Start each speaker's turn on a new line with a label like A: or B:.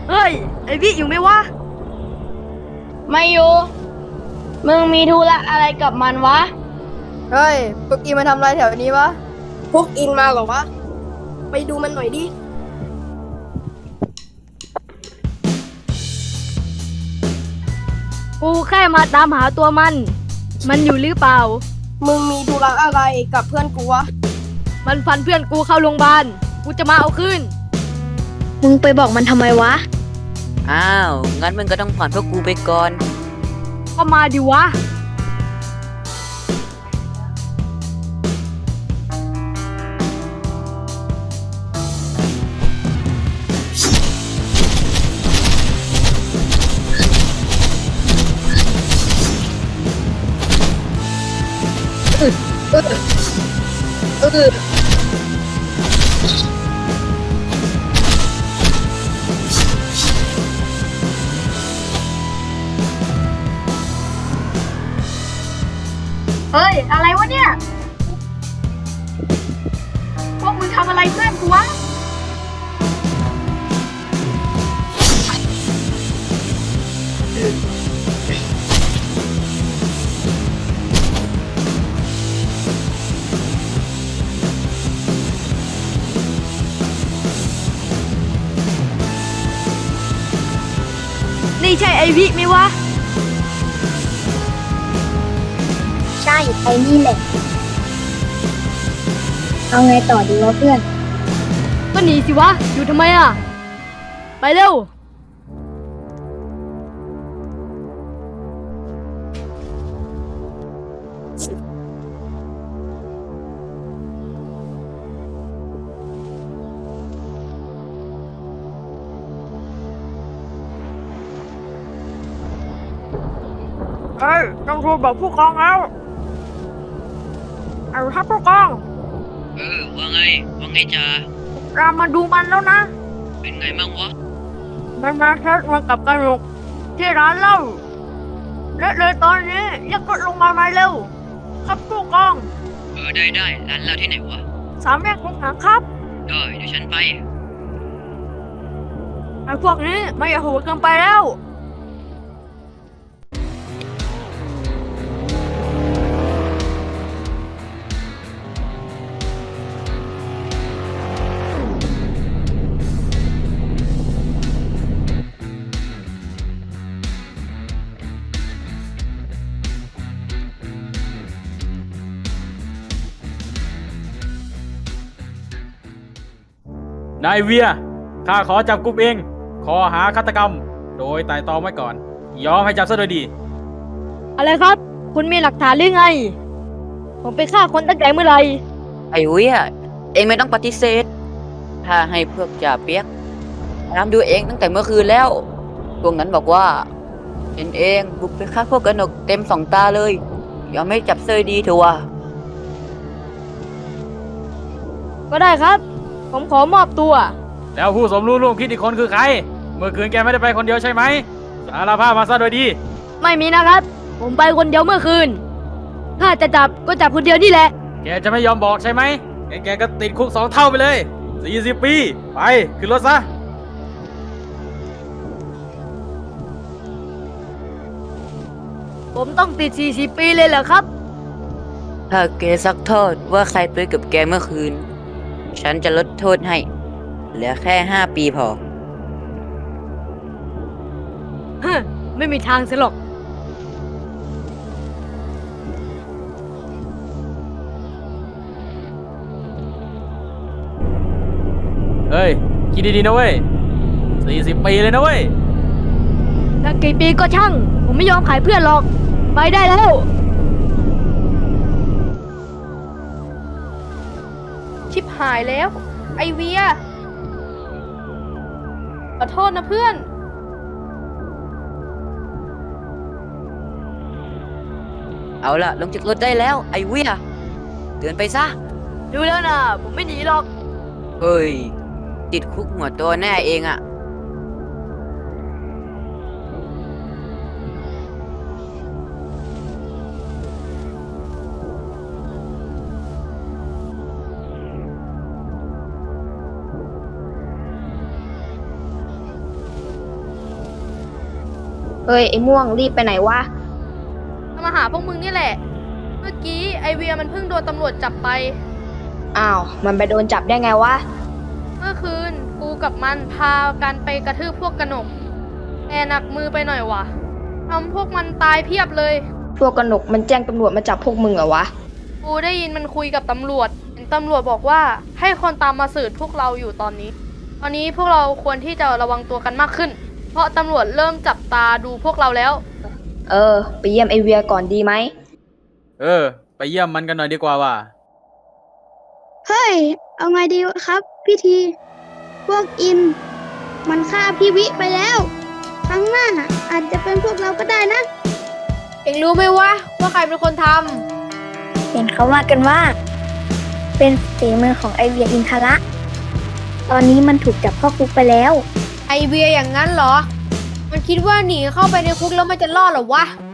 A: เฮ้ยไอวิอยู่ไหมวะ
B: ไม่อยู่มึงมีธุระอะไรกับมันวะ
C: เฮ้ยพวกอินมาทำอะไรแถวนี้วะพวกอินมาเหรอวะ ไปดูมันหน่อยดิ
A: กูแค่มาตามหาตัวมัน มันอยู่หรือเปล่า
C: มึงมีธุระอะไรกับเพื่อนกูวะ
A: มันฟันเพื่อนกูเข้าโรงพยาบาล กูจะมาเอาคืน
B: มึงไปบอกมันทำไมวะ
D: อ้าว งั้นมึงก็ต้องผ่อนพวกกูไปก่อน
A: ก็มาดิวะ เฮ้ย อะไรวะเนี่ย พวกมึงทำอะไรเพื่อนกูวะ นี่ใช่ไอวิไหมวะ
B: ใช่ไอ้นี่แหละเอาไงต่อดีวะเพื่อน
A: ก็หนีสิวะ อยู่ทำไมอ่ะ ไปเร็ว เฮ้ย ต้องโทรบอกผู้กองแล้ว เอาครับผู้กอง
D: ว่าไง ว่าไงจ้า
A: เรามาดูมันแล้วนะ
D: เป็นไงมั่งวะ
A: มันมาแคสมากับกระหนกที่ร้านเหล้าและเลยตอนนี้เรียกรถลงมาไหมเร็ว ครับผู้กอง
D: ได้ร้านเราที่ไหนวะ
A: สามแยกคงหนังครับ
D: ได้เดี๋ยวฉันไป
A: ไอ้พวกนี้ไม่โหดเกินไปแล้ว
E: นายเวียข้าขอจับกุมเองข้อหาฆาตกรรม โดยไต่ตรองไว้ก่อน ยอมให้จับซะโดยดี
A: อะไรครับ คุณมีหลักฐานหรือไง ผมไปฆ่าคนตั้งแต่เมื่อไหร่
D: ไอ้เวียเองไม่ต้องปฏิเสธ ถ้าให้พวกจ่าเปียกตามดูเองตั้งแต่เมื่อคืนแล้ว พวกนั้นบอกว่าเป็นเองบุกไปฆ่าพวกกนกเต็มสองตาเลย ยอมไม่จับเซยดีเถอะวะ
A: ก็ได้ครับ ผมขอมอบตัว
E: แล้วผู้สมรู้ร่วมคิดอีกคนคือใคร เมื่อคืนแกไม่ได้ไปคนเดียวใช่ไหมสารภาพมาซะโดยดี
A: ไม่มีนะครับ ผมไปคนเดียวเมื่อคืน ถ้าจะจับก็จับคนเดียวนี่แหละ
E: แกจะไม่ยอมบอกใช่ไหมงั้นแกก็ติดคุก2 เท่าไปเลย 40 ปี ไปขึ้นรถซะ
A: ผมต้องติด 40 ปีเลยเหรอครับ
D: ถ้าแกซักโทษว่าใครไปกับแกเมื่อคืน ฉันจะลดโทษให้ เหลือแค่5 ปีพอ
A: ฮะ ไม่มีทางเสียหรอก
E: เฮ้ย คิดดีๆนะเว้ย 40 ปีเลยนะเว้ย
A: ถ้ากี่ปีก็ช่าง ผมไม่ยอมขายเพื่อนหรอก ไปได้แล้ว
C: ชิบหายแล้ว ไอเวีย ขอโทษนะเพื่อน
D: เอาล่ะ ลงจากรถได้แล้ว ไอ้เวียเตือนไปซะ
A: ดูแล้วนะ ผมไม่หนีหรอก
D: เฮ้ย ติดคุกหัวโตัวแน่เองอะ
B: เฮ้ย ไอ้ม่วงรีบไปไหนวะ
A: จะมาหาพวกมึงนี่แหละ เมื่อกี้ไอเวียมันเพิ่งโดนตำรวจจับไป
B: อ้าว มันไปโดนจับได้ไงวะ
A: เมื่อคืนกูกับมันพากันไปกระทืบพวกกระหนกแต่หนักมือไปหน่อยว่ะทำพวกมันตายเพียบเลย
B: พวกกนกมันแจ้งตำรวจมาจับพวกมึงเหรอวะ
A: กูได้ยินมันคุยกับตำรวจเห็นตำรวจบอกว่าให้คนตามมาสืบพวกเราอยู่ตอนนี้ ตอนนี้พวกเราควรที่จะระวังตัวกันมากขึ้น เพราะตำรวจเริ่มจับตาดูพวกเราแล้ว
B: เออ ไปเยี่ยมไอเวียก่อนดีไหม
E: ไปเยี่ยมมันกันหน่อยดีกว่าว่ะ
F: เฮ้ย เอาไงดีครับพี่ที พวกอิน มันฆ่าพี่วิไปแล้ว ครั้งหน้าอาจจะเป็นพวกเราก็ได้นะ
C: เอ็งรู้ไหมวะว่าใครเป็นคนท
F: เห็นเขาว่ากันว่า เป็นฝีมือของไอเวียอินทระ ตอนนี้มันถูกจับเข้าคุกไปแล้ว
C: ำไอเวียอย่างนั้นเหรอ มันคิดว่าหนีเข้าไปในคุกแล้วมันจะรอดเหรอวะ